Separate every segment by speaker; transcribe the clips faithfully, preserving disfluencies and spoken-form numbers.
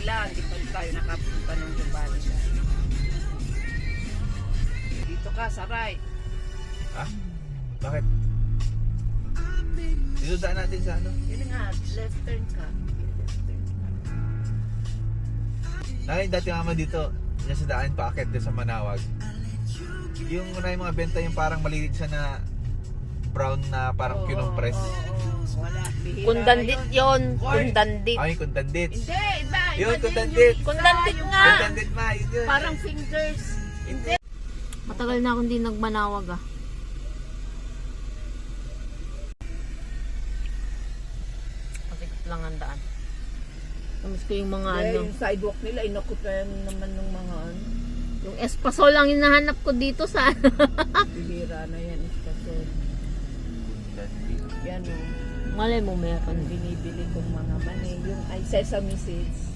Speaker 1: kabila, hindi pa tayo nakapunta ng Zambales. Dito ka, sa right.
Speaker 2: Ha? Bakit? Dito daan natin sa ano?
Speaker 1: Yun nga, left turn ka. Left turn ka.
Speaker 2: Nakay dati mama dito, yung sa daan paakit din sa Manawag. Yung una yung mga benta yung parang maliit siya na brown na parang
Speaker 1: Oo,
Speaker 2: kinumpress.
Speaker 1: oo, oo. Wala, bihira
Speaker 3: Kundandit
Speaker 1: na
Speaker 3: yon,
Speaker 1: Hoy!
Speaker 3: kundandit.
Speaker 2: Ay, kundandit.
Speaker 1: Hindi, iba. Iba
Speaker 2: Yun,
Speaker 1: din
Speaker 2: kundandit.
Speaker 1: yung isa,
Speaker 3: Kundandit
Speaker 1: yung
Speaker 3: nga.
Speaker 2: Kundandit ma, yun yun.
Speaker 1: Parang fingers. Hindi.
Speaker 3: Matagal na akong di nagmanawag ah. Pasikot lang ang daan. Tamis ko yung mga
Speaker 1: Eh,
Speaker 3: ano.
Speaker 1: yung sidewalk nila, inakupayan naman ng mga ano.
Speaker 3: Yung espasol lang hinahanap ko dito sa
Speaker 1: Bihira na yan, istasyon. Yan o.
Speaker 3: malay mo meron.
Speaker 1: Ang binibili kong mga mani. Yung ay sesame seeds.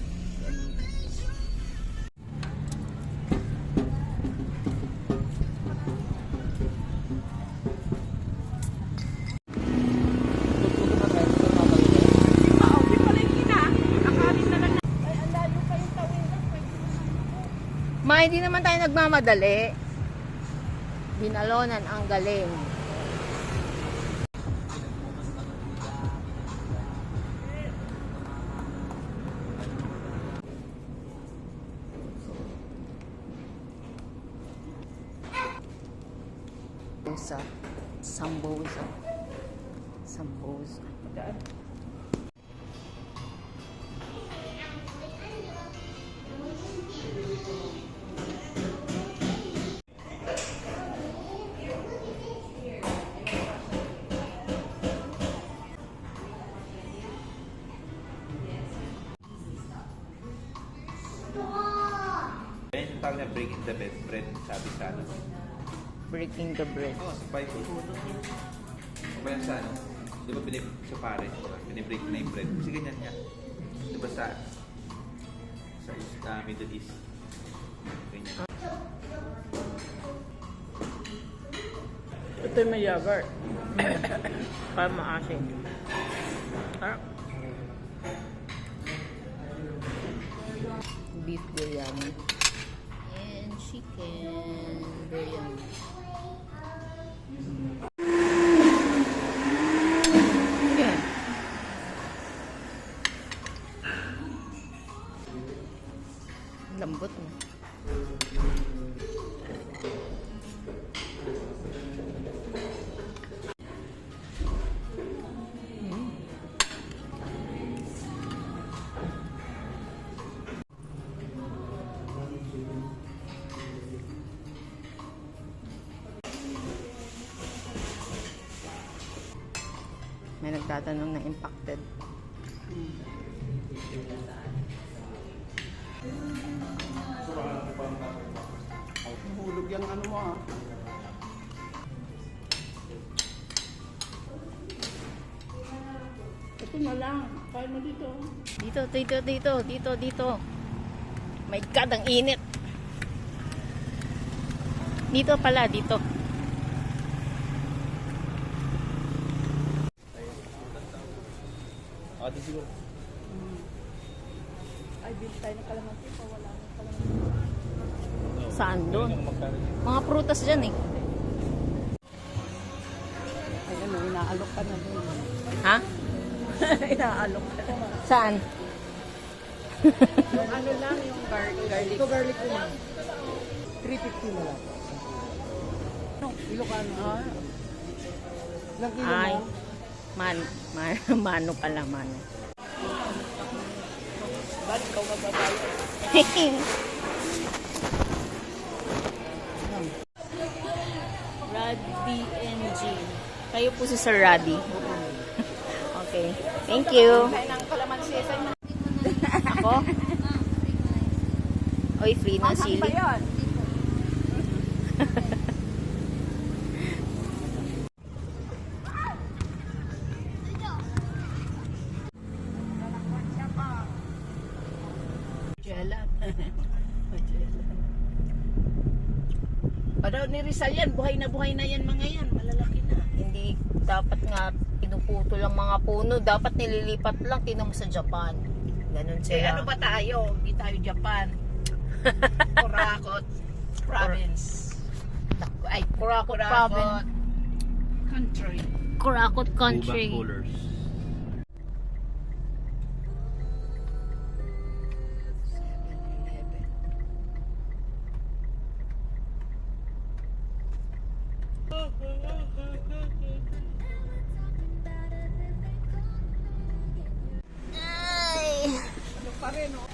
Speaker 3: Ma, hindi naman tayo nagmamadali. Binalonan ang galing. Sambosa. Sambosa. Sambosa.
Speaker 2: Yan yung tawag niya breaking the bed, bread, sabi sa ano.
Speaker 3: Breaking the bread.
Speaker 2: Oo, sa Bible. O ba yan sa ano? Di ba pinib sa pare? Pinibreak na yung bread. Kasi ganyan niya. Di ba sa sa uh, Middle East? Ganyan.
Speaker 1: Ito yung may yogurt.
Speaker 3: Para maasin. Ah. Beef biryani. And chicken biryani. Yeah. Lambot na. May nagtatanong na impacted.
Speaker 1: Hulog yung ano mo ah. Ito na lang. Kaya mo dito.
Speaker 3: Dito, dito, dito, dito, dito. My God, ang init. Dito pala, dito.
Speaker 2: Ah, di siguro.
Speaker 1: Ay, bill tayo ng kalamansi pa. Wala ng kalamansi.
Speaker 3: Saan doon? Mga prutas dyan eh.
Speaker 1: Ay, ano, inaalok ka na doon.
Speaker 3: Ha?
Speaker 1: Inaalok ka na.
Speaker 3: Saan?
Speaker 1: Yung ano lang, yung gar garlic. Ito garlic ko lang. three fifty na lang. No, Ilocano. Ah. Ilang kilo
Speaker 3: Ay.
Speaker 1: mo?
Speaker 3: Man, man, mano pala, mano.
Speaker 1: Ba't ikaw magbabayo?
Speaker 3: Raddy N G. Kayo po si Sir Raddy. Okay. Thank you.
Speaker 1: Tayo ng kalamansi. Saan na?
Speaker 3: Ako? Oy, free na
Speaker 1: Anghang
Speaker 3: sili.
Speaker 1: pa yun. Magellan. Magellan. Padaw ni Rizal yan, buhay na buhay na yan mga yan, malalaki na.
Speaker 3: Hindi dapat nga pinuputo lang mga puno. Dapat nililipat lang. Tinan mo sa Japan. Ganun
Speaker 4: Eh,
Speaker 3: sila.
Speaker 4: ano ba tayo? Hindi tayo Japan. Kurakot province.
Speaker 3: Ay, Kurakot
Speaker 4: Kurakot
Speaker 3: province.
Speaker 4: country.
Speaker 3: Kurakot country.
Speaker 2: Ubang colors.
Speaker 3: Ay.
Speaker 4: Ano pa rin, oh?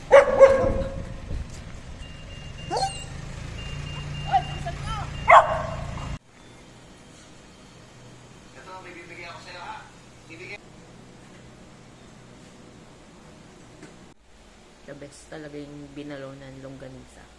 Speaker 3: The best talaga yung binalo ng longganisa.